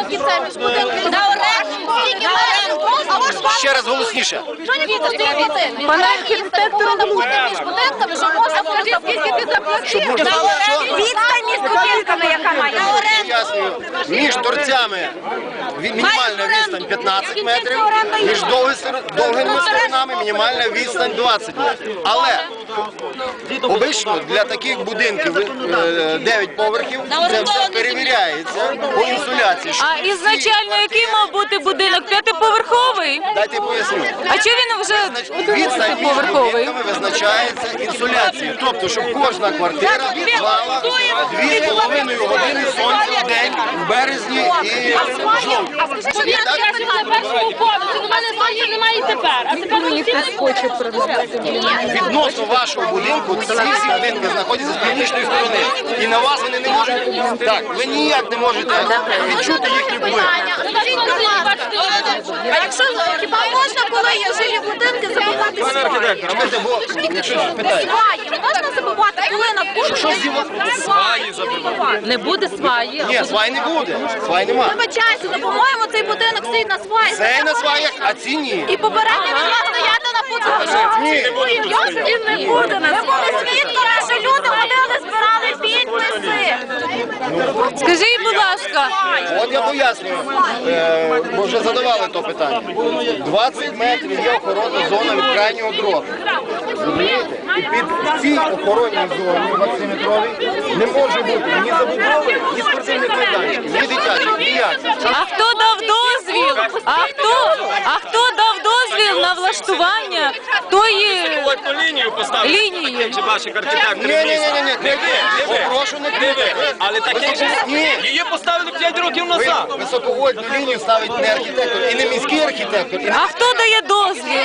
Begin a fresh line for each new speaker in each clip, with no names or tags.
скільки це між будинками? На оренду. Скільки оренду?
Ще раз голосніше.
Пане архітектор, не бути між будинками, що можна скажіть, скільки ти заплатив? На оренду. Відстань між будинками, яка має? На оренду.
Між торцями мінімальна відстань 15 метрів, між довгими сторонами мінімальна відстань 20 метрів. Але обично для таких будинків 9 поверхів це все перевіряється по інсуляції.
А ізначально який мав бути будинок? П'ятиповерховий?
Дайте поясню.
А чого він вже
Відстань між
поверховий?
будинками визначається інсуляцією. Тобто, щоб кожна квартира мала 2,5 години сонця в день, в березні і в жовтні.
А скажи, що я на першому поверсі, у мене сонця немає і тепер. А тепер мені хтось хоче продати.
Відносно вашого будинку, всі будинки знаходяться з північної сторони. І на вас вони не можуть. Так, ви ніяк не можете відчути їхній вплив.
А якщо хіба можна, коли є жилі будинки, забувати сваї?
Чекайте, бо якщо питають.
Сваї можна забувати, коли на
Що
сваї забувати?
Не буде сваї.
Ні, свай не буде. Свай нема.
Вибачайся, ну, по-моєму, цей будинок стоїть на сваї.
Це на сваях, а ці ні.
І попередньо він мав стояти на подвір'ї.
Ні.
Він не буде на сваї. Ми були свідками, що люди ходили, збирали підписи.
Скажіть, будь ласка,
От я пояснюю, бо вже задавали то питання. 20 метрів є охоронна зона від крайнього дроту. Розумієте? І під цій охоронній зоні 20-метровій не може бути ні забудови, ні спортивних майданчиків, ні дитячих, ніяк.
а хто дав дозвіл? А хто дав дозвіл на влаштування тої
лінію поставити.
лінії?
Чи ваші архітектори
Ні,
міста?
не ви. Попрошу не ви.
Але таке ж
Ні.
її поставили 5 років назад.
Високовольтну лінію ставить не архітектор і не міський архітектор. І
А хто дає дозвіл?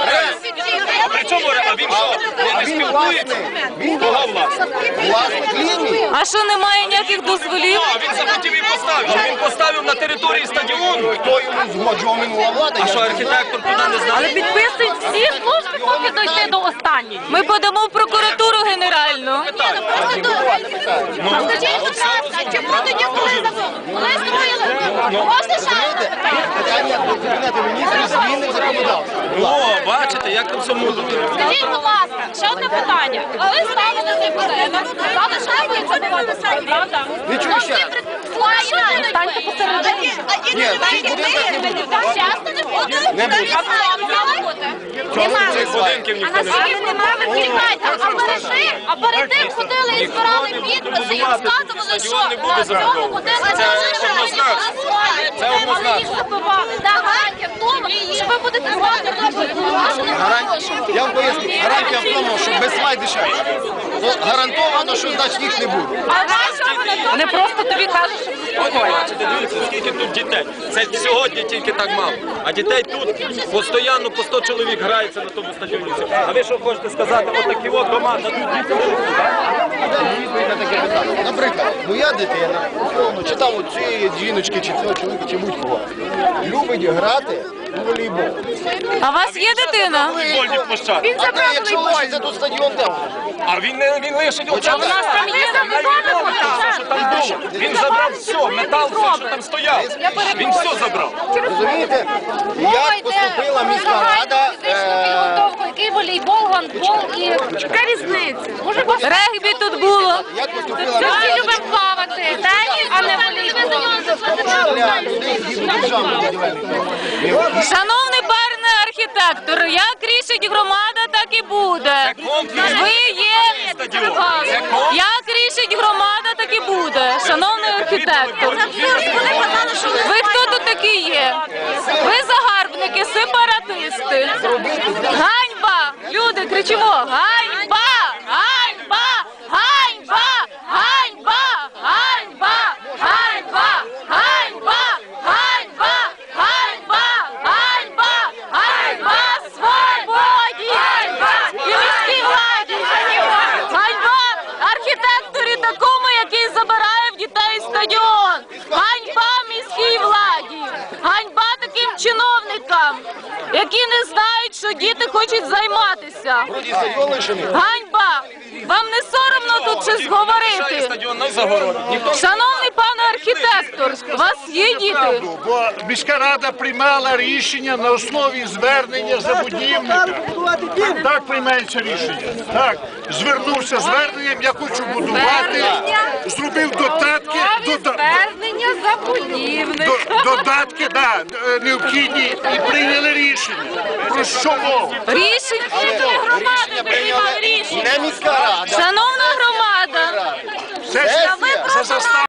При чому, а він що? Не спілкується? Кого власне?
власник лінії.
А що немає ніяких дозволів?
А він захотів і поставив. Він поставив на території стадіону.
Хто йому згоджував минула влада?
А що архітектор туди не знає?
Але підписують всі служби, поки дойти до останньої. Ми подамо в прокуратуру генеральну.
Скажіть, будь ласка, чому тоді, коли строїли? Можна ще?
Питання до Кабінету міністрів зміни в законодавство.
О, бачите, як там все мудро.
Скажіть, будь ласка, ще одне питання. Ви ставите цей будинок, сказали, що не будуть забивати свої, правда?
Не чую ще раз.
Станьте посередині.
Ні, цей будинок не буде.
Часто не буде?
Не буде. Чому цей свай?
Будинків
А
ніхто не
наскільки немає, ви чекайте, а перед тим ходили і збирали підписи і розказували, що
Стадіон не буде
в цьому
забудовано.
будинку
Це однозначно. Це однозначно.
їх забивали. Гарантія в тому, що ви будете звати робити.
Я вам поясню. Гарантія в тому, що без свай дешевше. Ну, гарантовано, що значить їх не буде.
А
Вони просто тобі кажуть, що
Бачите, дивіться, скільки тут дітей. Це сьогодні тільки так мало. А дітей тут постійно по 100 чоловік грається на тому стадіоні. А ви що хочете сказати? Ось такі от команда, тут діти живуть, так?
Відповідь на таке питання. Наприклад, моя дитина, условно, чи там у цієї жіночки, чи цього чоловіка, чи будь-кого, любить грати у волейбол.
а у вас є дитина?
Футбольні площадки.
А ти, якщо лишиться тут стадіон, де?
А він лишить оце.
у нас там є забивали
Що там було? Він забрав все, метал, все, що там стояв. Він все забрав.
Розумієте? Як поступила міська рада,
Який волейбол, гандбол і... Яка різниця? Може,
Регбі тут було.
як поступила
ми
міська
всі
рада,
любимо плавати, теніс, а не волейбол.
для людей згідно державної будівельної норми.
Шановний пане архітектор, як рішить громада, так і буде. Ви є. Як рішить громада, так і буде. Шановний архітектор. Ви хто тут такі є? Ви загарбники, сепаратисти. Ганьба! Люди, кричимо! Ганьба! Ганьба! Ганьба! Ганьба! Ганьба! Ганьба! Ганьба! Ганьба! Ганьба! Ганьба! Ганьба! Свободі! І міській владі! Ганьба! Архітекторі такому, який забирає в дітей стадіон! Ганьба міській владі! Ганьба таким чиновникам, які не знають, що діти хочуть займатися!
Вроді стадіон лишений.
Ганьба! Вам не соромно тут щось говорити?
Стадіон на загороді.
Шановний пане архітектор! директор, у вас є діти?
Бо міська рада приймала рішення на основі звернення забудівника. Так приймається рішення. Так, звернувся зверненням, я хочу будувати, зробив додатки,
Звернення забудівника.
додатки, да, необхідні і прийняли рішення. Про що мова?
Рішення громади приймали рішення.
Не міська рада.
Шановна громада,
Це ж
Сесія.
за заставу.